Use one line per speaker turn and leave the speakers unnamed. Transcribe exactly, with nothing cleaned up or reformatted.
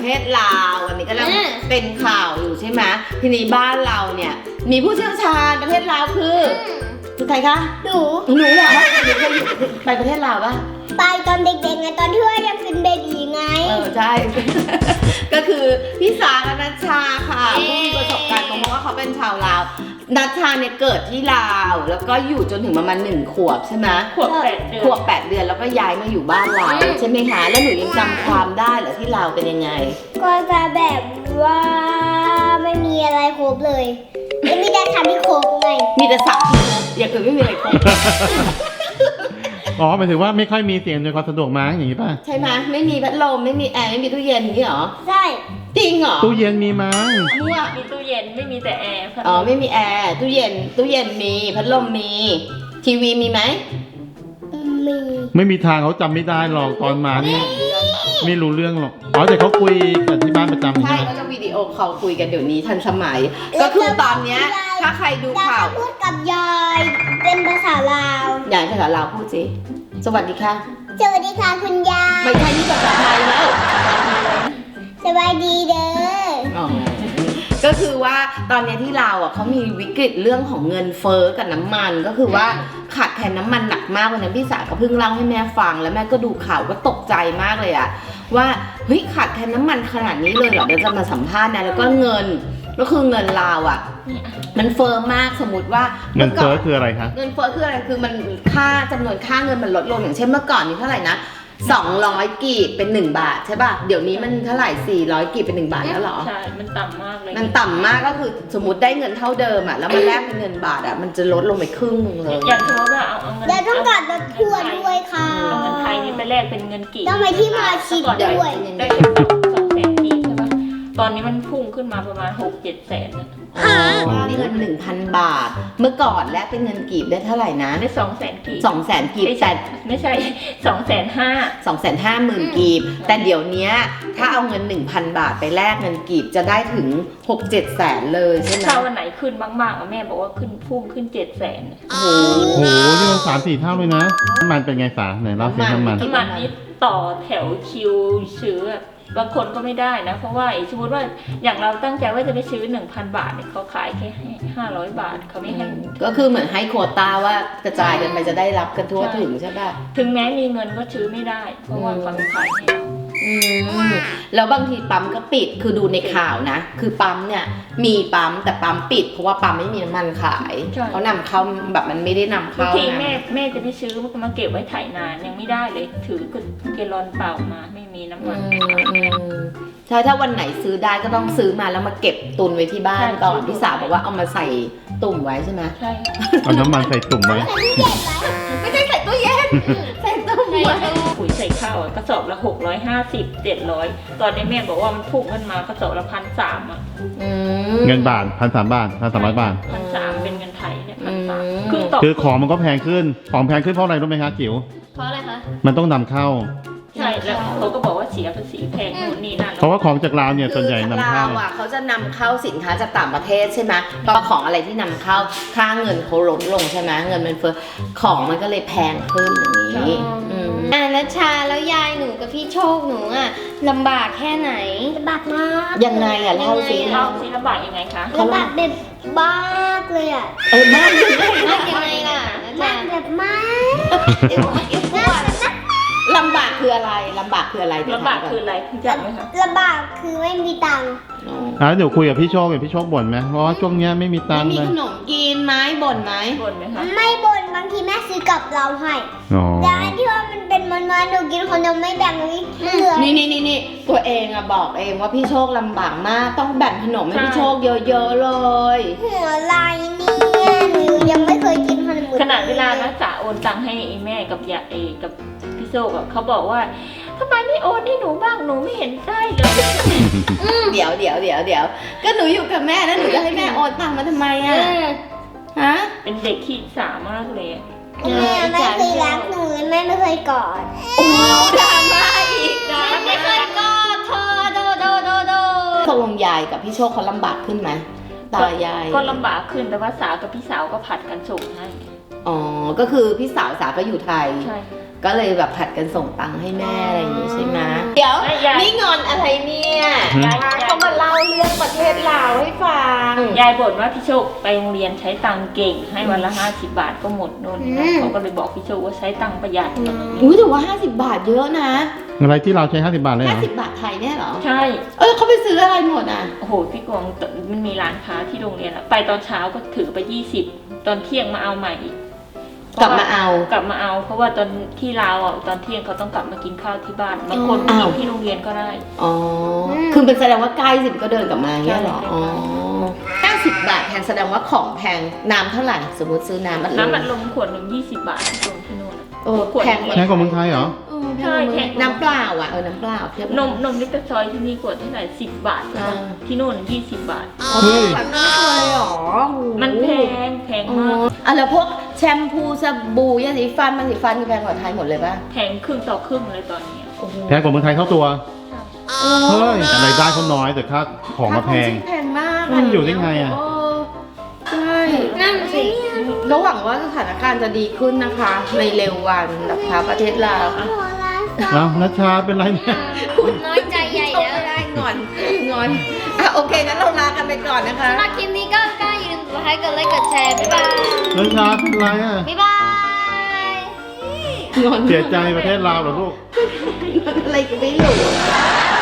ประเทศลาววันนี้ก็แล้วเป็นข่าวอยู่ใช่ไหมทีนี้บ้านเราเนี่ยมีผู้เชี่ยวชาญประเทศลาวคือคือใครคะหนูหนูเหรอหนูเคยอยู่ไปประเทศลาวปะ
ไปตอนเด็กๆไงตอนที่ว่ายังเป็นเบบีไง
เออใช่ ก็คือพี่สาและนัชชาค่ะผู้มีประสบการณ์เพราะว่าเขาเป็นชาวลาวนัชชาเนี่ยเกิดที่ลาวแล้วก็อยู่จนถึงประมาณหนึ่งขวบใช่ไหม
ขวบแปดเดือน
ขวบแปดเดือนแล้วก็ย้ายมาอยู่บ้านเราใช่ไหมคะแล้วหนูยังจำความได้เหรอที่ลาวเป็นยังไง
ก็จะแบบว่าไม่มีอะไรครบเลยไม่มีแต่ทำที่ครบไง
มีแต่สับอย่างอื่นไม่มีอะไรครบ
อ๋อหมายถึงว่าไม่ค่อยมีเสียงโดยความสะดวกมั้งอย่างนี้ป่ะ
ใช่ไหมไม่มีพัดลมไม่มีแอร์ไม่มีตู้เย็นอย่างนี้เหรอ
ใช่
จริงเหรอ
ตู้เย็นมีมั้ง
มั่ว
มีตู้เย็นไม่มีแต่แอร์
อ๋อไม่มีแอร์ตู้เย็นตู้เย็นมีพัดลมมีทีวีมีไหม
มี
ไม่มีทางเขาจำไม่ได้หรอกตอนมานี่ไม่รู้เรื่องหรอกอ๋อแต่เขาคุยกันที่บ้านประจำ
ใช่ก็จะวิดีโอคอลคุยกันเดี๋ยวนี้ทันสมัยก็คือตอนเนี้ยถ้าใครดูข่าว
พูดกับยายเป็นภาษาลาวย
ายภาษาลาวพูดสิสวัสดีค่ะ
สวัสดีค่ะคุณยาย
ไม่ใช่นี่ภาษาไทยแล้ว
สวัสดีเด้อ
ก็คือว่าตอนนี้ที่ลาวอ่ะเขามีวิกฤตเรื่องของเงินเฟ้อกับน้ำมันก็คือว่าขาดแคลนน้ำมันหนักมากวันนั้นพี่สาวก็เพิ่งเล่าให้แม่ฟังแล้วแม่ก็ดูข่าวก็ตกใจมากเลยอ่ะว่าเฮ้ยขาดแคลนน้ำมันขนาดนี้เลยเหรอเดี๋ยวจะมาสัมภาษณ์นะแล้วก็เงินก็คือเงินลาวอ่ะมันเฟ้อมากสมมติว่า
เงินเฟ้อคืออะไรคะ
เงินเฟ้อคืออะไรคือมันค่าจำนวนค่าเงินมันลดลงอย่างเช่นเมื่อก่อนนี้เท่าไหร่นะสองร้อยกีบเป็นหนึ่งบาทใช่ป่ะเดี๋ยวนี้มันเท่าไหร่สี่ร้อยกีบเป็นหนึ่งบาทแล้วเหรอ
ใช่มันต่ำมากเลย
มันต่ำมากก็คือสมมติได้เงินเท่าเดิมอ่ะแล้วมันแลกเป็นเงินบาทอ่ะมันจะลดลงไปครึ่งนึงเลย
อย่างสมมติว่าเอาเอาเงิน
แล้วต้องการลดทวนด้วยค่ะ
เอาเงินไทยนี่ไปแลกเป็นเงินกีบ
ต้องไปที่มาชิดด้วย
ได้แค่สองแสนกีบใช่ป่ะตอนนี้มันพุ่งขึ้นมาประมาณหกเจ็ดแสน
อ๋อเงินหนึ่งพันบาทเมื่อก่อนแลกเป็นเงินกีบได้เท่าไหร่นะ
ได้สองแสนกีบ
สองแสนกีบแต่
ไม่ใช่สองแสนห้า
สองแสนห้าหมื่นกีบแต่เดี๋ยวนี้ถ้าเอาเงินหนึ่งพันบาทไปแลกเงินกีบจะได้ถึงหกเจ็ดแสนเลยใช่ไหม
ถ้าวันไหนขึ้นมากๆแม่บอกว่าขึ้นพุ่งขึ้นเจ็ดแสน
โอ้โห
โหนี่มันสามสี่เท่าเลยนะน้ำมันเป็นไงสาไหนเล่าสิน้ำมัน
น้ำมันนี้ต่อแถวคิวซื้อบางคนก็ไม่ได้นะเพราะว่าสมมติว่าอย่างเราตั้งใจว่าจะไปซื้อ หนึ่งพัน บาทเนี่ยเขาขายแค่ห้าร้อยบาทเขาไม่ให้
ก็คือเหมือนให้โควต้าว่ากระจายกันไปจะได้รับกันทั่วถึงใช่ป่ะ
ถึงแม้มีเงินก็ซื้อไม่ได้เพราะว่าเขาไม่ขายให้เรา
อืมแล้วบางทีปั๊มก็ปิดคือดูในข่าวนะคือปั๊มเนี่ยมีปั๊มแต่ปั๊มปิดเพราะว่าปั๊มไม่มีน้ำมันขายเขานำเข้าแบบมันไม่ได้นำเข้า
บางทีแม่แม่จะไปซื้อมาเก็บไว้ถ่ายนานยังไม่ได้เลยถือเกลอนเปล่ามาไม่มีน้ำมัน
ใช่ถ้าวันไหนซื้อได้ก็ต้องซื้อมาแล้วมาเก็บตุนไว้ที่บ้านก่อนพี่สาวบอกว่าเอามาใส่ตุ่มไว้ใช่ไหม
ใช่
เอาน้ำมันใส่ตุ่มไว้
ไม่ใช่ใส่ตู้เย็นใส่ตุ่มไว้
ปุ๋ยใส่ข้าวกระสอบละหกร้อยห้าสิบเจ็ดร้อยตอนนี้แม่บอกว่ามันพุ่งขึ้นมากระสอบละพันสามอ่ะ
เงินบาทพันสามบาทพันสามร้อยบาท
พันสามเป็นเงินไทยเนี่ยพันสาม
คือของมันก็แพงขึ้นของแพงขึ้นเพราะอะไรรู้ไหมคะจิ๋ว
เพราะอะไรคะ
มันต้องนำเข้า
ใช่แล้วเขาก็บอกว่าเสียภาษีแพงนู่นนี่นั่น
เพราะว่าของจากลาวเนี่ยส่วนใหญ่นำเข้า
อ่ะเขาจะนำเข้าสินค้าจากต่างประเทศใช่ไหมเพราะของอะไรที่นำเข้าค่าเงินเขาลดลงใช่ไหมเงินมันเฟ้อของมันก็เลยแพงขึ้นอย่างนี้
อ่านัชชาแล้วยายหนูกับพี่โชคหนูอ่ะลำบากแค่ไหนลำบากมาก
ยังไงอ่ะเล่าสิ
เล่าสิลำบากยังไงคะ
ลำบากแบบมากเลยอ่ะ
เออมากยังไง
มากยังไงล่ะมากแบบมาก
ลำบากคืออะไรลำบากคืออะไร
ลำบากคืออะไรพี่จักไหมคะ
ลำบากคือไม่มีตังค์
อ่าเดี๋ยวคุยกับพี่โชคกับพี่โชคบ่นไหมเพราะว่าช่วงนี้ไม่มีตังค์
เลยไม่มีขนมกินไหมบ่นไหม
บ่นไหมคะ
ไม่บ่นบางทีแม่ซื้อกับเราให้แต่อันที่ว่ามันเป็นมันมาหนูกินคนเดียวไม่แบ่งเลยเหลือ
นี่นี่นี่นี่ตัวเองอะบอกเองว่าพี่โชคลำบากมากต้องแบ่งขนมให้พี่โชคเยอะๆเลย
หัวลายเนี่ยหนูยังไม่เคยกินขนม
ขนาดเวลานะจ๋าโอนตังค์ให้แม่กับยาเอกับพี่โชคอะเขาบอกว่าทำไมไม่โอนให้หนูบ้างหนูไม่เห็นได้เลย
เดี๋ยวเดี๋ยวเดี๋ยวเดี๋ยวก็หนูอยู่กับแม่แล้วหนูจะให้แม่โอนตังค์มาทำไมอะฮะ
เป็นเด็กขี้สามากเลย
แม่ไม่เคยรักหนูเลยแม่ไม่เคยกอด
โอ้ดราม่าอีกนะ
ไม่เคยกอดเธอโดโดโดโด
ตกลงยายกับพี่โชคเขาลำบากขึ้นไหมตายาย
ก็ลำบากขึ้นแต่ว่าสาวกับพี่สาวก็ผัดกันส่งให้
อ๋อก็คือพี่สาวสาวก็อยู่ไทย
ใช่
ก็เลยแบบผัดกันส่งตังค์ให้แม่อะไรอย่างงี้ใช่ไหมเดี๋ยว
ไม่ยาย
นี่งอนอะไรเนี่ย
ยาย
เขามาเล่าเรื่องประเทศลาวให้ฟัง
ยายบ่นว่าพี่โชคไปโรงเรียนใช้ตังค์เก่งให้วันละห้าสิบบาทก็หมดนู่นนี่นั่นเขาก็เลยบอกพี่โชคว่าใช้ตังค์ประหยัด
อุ้ยแต่ว่าห้าสิบบาทเยอะนะ
อะไรที่เราใช้ห้าสิบบาทเลยเหร
ห้า
อ
สิบบาทไทยเนี่ยเหรอ
ใช่
เออเขาไปซื้ออะไรหมดอ่ะ
โอ้โหพี่กวางมันมีร้านค้าที่โรงเรียนอะไปตอนเช้าก็ถือไปยี่สิบตอนเที่ยงมาเอาใหม่อีก
กลับมาเอา
กลับมาเอา เพราะว่าตอนที่ลาวอ่ะตอนเที่ยงเขาต้องกลับมากินข้าวที่บ้านบางคน
อ้าว
กินที่โรงเรียนก็ได้
อ๋อ คือเป็นแสดงว่าใกล้สิบก็เดินกลับมาอย่างเงี้ยเหรอ
ใช่
อ๋อห้าสิบบาทแพงแสดงว่าของแพง น้ำเท่าไหร่ สมมติซื้อน้ำอัดลม
น้ำอัดลมขวดหนึ่งยี่สิบบาทที่ตรงที่นู่นอะ
โอ้แพง
แพงกว่าเมืองไทยเหรอ
เออ
ใช่
แพ
แพ
ง
ง
น้ำเปล่าอ่ะ เออ น้ำเปล่าเทียบ
นมนมลิตรซอยที่นี่ขวดเท่าไหร่สิบบาท
อ่า
ที่นู่นยี่สิบบาท
เฮ้ย
แบบนี้เลยเหรอ
มันแพงแพง
อ๋อ
มาก
อ่ะแล้วพวกแชมพูสบู่ยาสีฟันมันสีฟันคือแพงกว่าไทยหมดเลยป่ะ
แพงครึ่งต่อครึ่งเลยตอนนี้
โอ้โห
แพงกว่าเมืองไทยเท่าตัว เฮ้ยแต่รายได้เขาน้อยแต่ค่าของมาแพง
ค่าครองชีพแพงมาก
มันอยู่ได้ไงอะ
เใช่
นั่นสิ
แล้วหวังว่าสถานการณ์จะดีขึ้นนะคะ ในเร็ววันนะคะประเทศลาว
หัวล้าน
แล้วนัชชาเป็นไรเนี่ย
น้อยใจใหญ่แล้ว
ไม่ได้งอนงอนอ่ะโอเคงั้นเราลากันไปก่อนนะคะ
สำหรับคลิปนี้ก็ก็อย่าลืมกดไลค์กดไลค์กดแชร์ บ๊ายบาย
นัชชาเป็นไรอ่ะ
บ๊ายบาย
งอน
เสียใจประเทศลาวเหรอลูก
อะไรก็ไม่รู้